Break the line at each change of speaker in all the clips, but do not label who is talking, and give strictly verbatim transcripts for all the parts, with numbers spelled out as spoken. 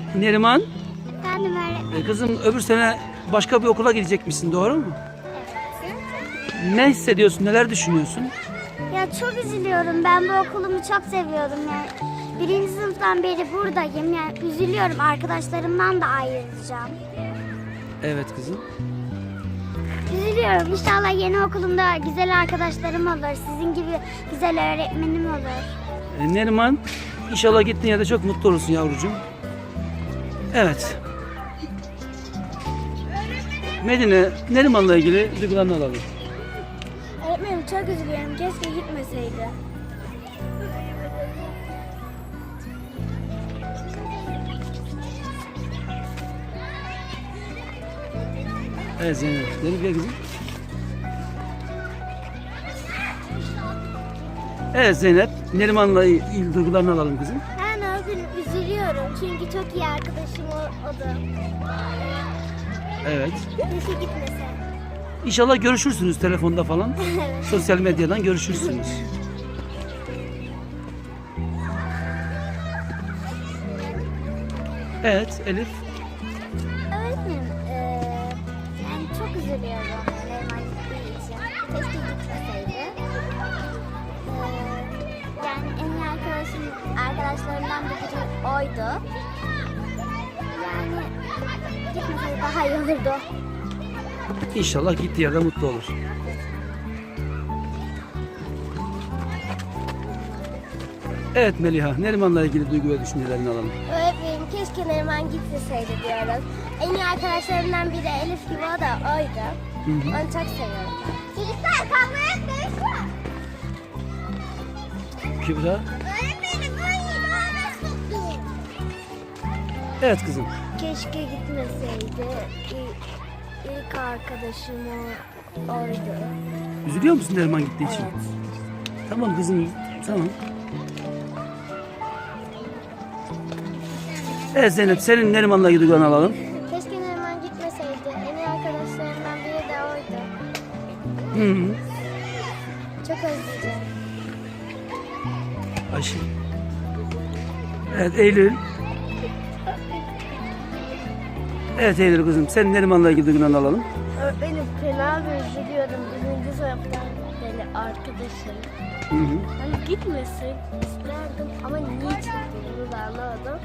Neriman,
Efendim öğretmenim.
e, kızım öbür sene başka bir okula gidecekmişsin, doğru mu?
Evet.
Ne hissediyorsun, neler düşünüyorsun?
Ya çok üzülüyorum. Ben bu okulumu çok seviyorum. Yani birinci sınıftan beri buradayım. Yani üzülüyorum. Arkadaşlarımdan da ayrılacağım.
Evet kızım.
Üzülüyorum. İnşallah yeni okulumda güzel arkadaşlarım olur. Sizin gibi güzel öğretmenim olur.
E, Neriman, inşallah gittiğin yerde çok mutlu olursun yavrucuğum. Evet. Medine, Neriman'la ilgili duygularını alalım.
Öğretmenim çok üzülüyorum. Keşke gitmeseydi.
Evet Zeynep, Zeynep gel kızım. Evet Zeynep, Neriman'la ilgili duygularını alalım kızım.
Ben o gün üzülüyorum. Çünkü çok iyi arkadaşım o, o da.
Evet.
Keşke gitmese.
İnşallah görüşürsünüz telefonda falan.
Evet.
Sosyal medyadan görüşürsünüz. Evet Elif.
Öğretmenim, eee yani çok üzülüyorum Neriman gittiği için. Keşke gitmeseydi. Eee, yani en iyi arkadaşım, arkadaşlarımdan biri oydu. Yani gitmeseydi daha iyi olurdu.
İnşallah gittiği yerde mutlu olur. Evet Meliha, Neriman'la ilgili duygu ve düşüncelerini alalım.
Öğretmenim keşke Neriman gitmeseydi diyoruz. En iyi arkadaşlarımdan biri Elif gibi, o da oydu.
Hı hı.
Onu çok seviyorum. Çocuklar kavga etmeyin.
Kübra.
Öğretmenim oyunu bana.
Evet kızım.
Keşke gitmeseydi. İlk, ilk arkadaşım o, oydu.
Üzülüyor musun Neriman gittiği için?
Evet.
Tamam kızım, tamam. Evet Zeynep, senin Neriman'la ilgili duygularını alalım.
Keşke Neriman gitmeseydi. En iyi arkadaşlarımdan biri de oydu.
Hı hı.
Çok özleyeceğim.
Ayşe. Evet Eylül. Evet Eylül kızım, senin Neriman'la ilgili duygularını alalım.
Öğretmenim fena bir üzülüyorum. Birinci sınıftan beri arkadaşım.
Hı hı.
Hani gitmesin isterdim ama niçin bunu da anlamadım.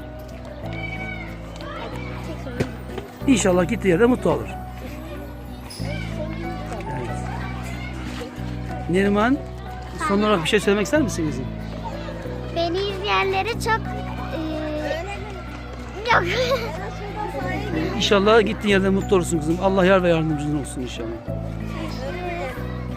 Yani tekrar
İnşallah gittiği yerde mutlu olur. Evet. Neriman, son olarak bir şey söylemek ister misin kızım?
beni izleyenlere çok eee yok.
İnşallah gittiğin yerde mutlu olursun kızım. Allah yar ve yardımcın olsun inşallah.